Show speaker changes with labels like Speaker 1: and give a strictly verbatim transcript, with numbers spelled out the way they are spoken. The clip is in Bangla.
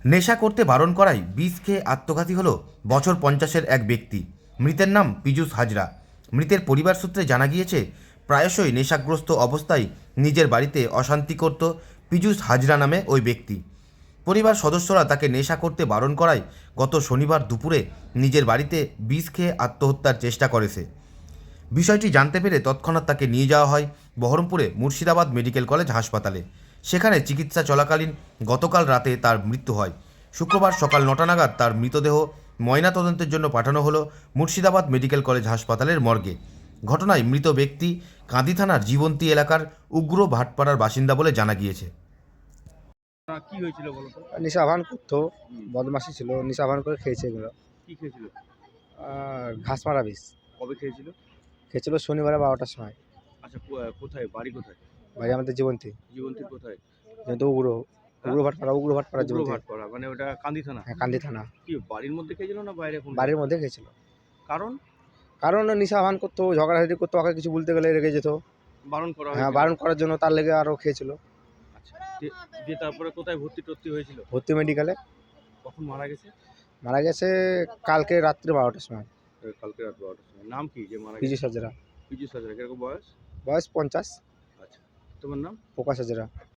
Speaker 1: নেশা করতে বারণ করায় বিষ খেয়ে আত্মঘাতী হল বছর পঞ্চাশের এক ব্যক্তি। মৃতের নাম পীযূষ হাজরা। মৃতের পরিবার সূত্রে জানা গিয়েছে, প্রায়শই নেশাগ্রস্ত অবস্থায় নিজের বাড়িতে অশান্তি করত পীযূষ হাজরা নামে ওই ব্যক্তি। পরিবার সদস্যরা তাকে নেশা করতে বারণ করায় গত শনিবার দুপুরে নিজের বাড়িতে বিষ খেয়ে আত্মহত্যার চেষ্টা করে সে। বিষয়টি জানতে পেরে তৎক্ষণাৎ তাকে নিয়ে যাওয়া হয় বহরমপুরে মুর্শিদাবাদ মেডিকেল কলেজ হাসপাতালে। সেখানে চিকিৎসা চলাকালীন গতকাল রাতে তার মৃত্যু হয়। শুক্রবার সকাল নটা নাগাদ তার মৃতদেহ ময়নাতদন্তের জন্য পাঠানো হলো মুর্শিদাবাদ মেডিকেল কলেজ হাসপাতালের মর্গে। ঘটনায় মৃত ব্যক্তি কাঁদি থানার জীবন্তী এলাকার উগ্র ভাটপাড়ার বাসিন্দা বলে জানা গিয়েছে।
Speaker 2: আ কি হয়েছিল বলো তো?
Speaker 3: নিশা ভান করতো,
Speaker 2: হুম।
Speaker 3: বদমাশি ছিল, নিশা ভান করে খেয়েছে এগুলো।
Speaker 2: কি খেয়েছিল?
Speaker 3: আর ঘাস মারা বিষ
Speaker 2: কবে খেয়েছিল?
Speaker 3: খেয়েছিল শনিবারে বারোটার সময়।
Speaker 2: আচ্ছা, কো আ কোথায়? বাড়ি কোথায়?
Speaker 3: ভাই আমাদের জীবন্তী
Speaker 2: জীবন্তীর কোথায়?
Speaker 3: যেহেতু উগ্র
Speaker 2: হ্যাঁ?
Speaker 3: উগ্র ভাটপাড়া উগ্র ভাটপাড়া
Speaker 2: উগ্র
Speaker 3: জীবন্তী।
Speaker 2: ভাটপাড়া, মানে ওটা কান্দি থানা?
Speaker 3: হ্যাঁ, কান্দি থানা।
Speaker 2: কি বাড়ির মধ্যে খেয়েছিল না বাইরে কোনো?
Speaker 3: বাড়ির মধ্যে খেয়েছিল।
Speaker 2: কারণ?
Speaker 3: কারণ ও নিশা ভান করতো, ঝগড়াঝাটি করতো, ওকে কিছু বলতে গেলে রেগে যেত।
Speaker 2: বারণ করা
Speaker 3: হ্যাঁ,
Speaker 2: হয়েছিল?
Speaker 3: বারণ করার জন্য তার লেগে আরও খেয়েছিল।
Speaker 2: আচ্ছা। দিয়ে দিয়ে তারপরে কোথায় ভর্তি-টর্তি হয়েছিল?
Speaker 3: ভর্তি মেডিকেলে।
Speaker 2: কখন মারা গেছে?
Speaker 3: মারা গেছে কালকে রাত্রে বারোটার সময়।
Speaker 2: এ কালকে রাত বারোটার সময়। নাম কি যে মারা গেছে?
Speaker 3: পীযূষ হাজরা।
Speaker 2: পীযূষ হাজরা। কিরকম বয়স?
Speaker 3: বয়স পঞ্চাশ।
Speaker 2: আচ্ছা। তোমার নাম?
Speaker 3: প্রকাশ হাজরা।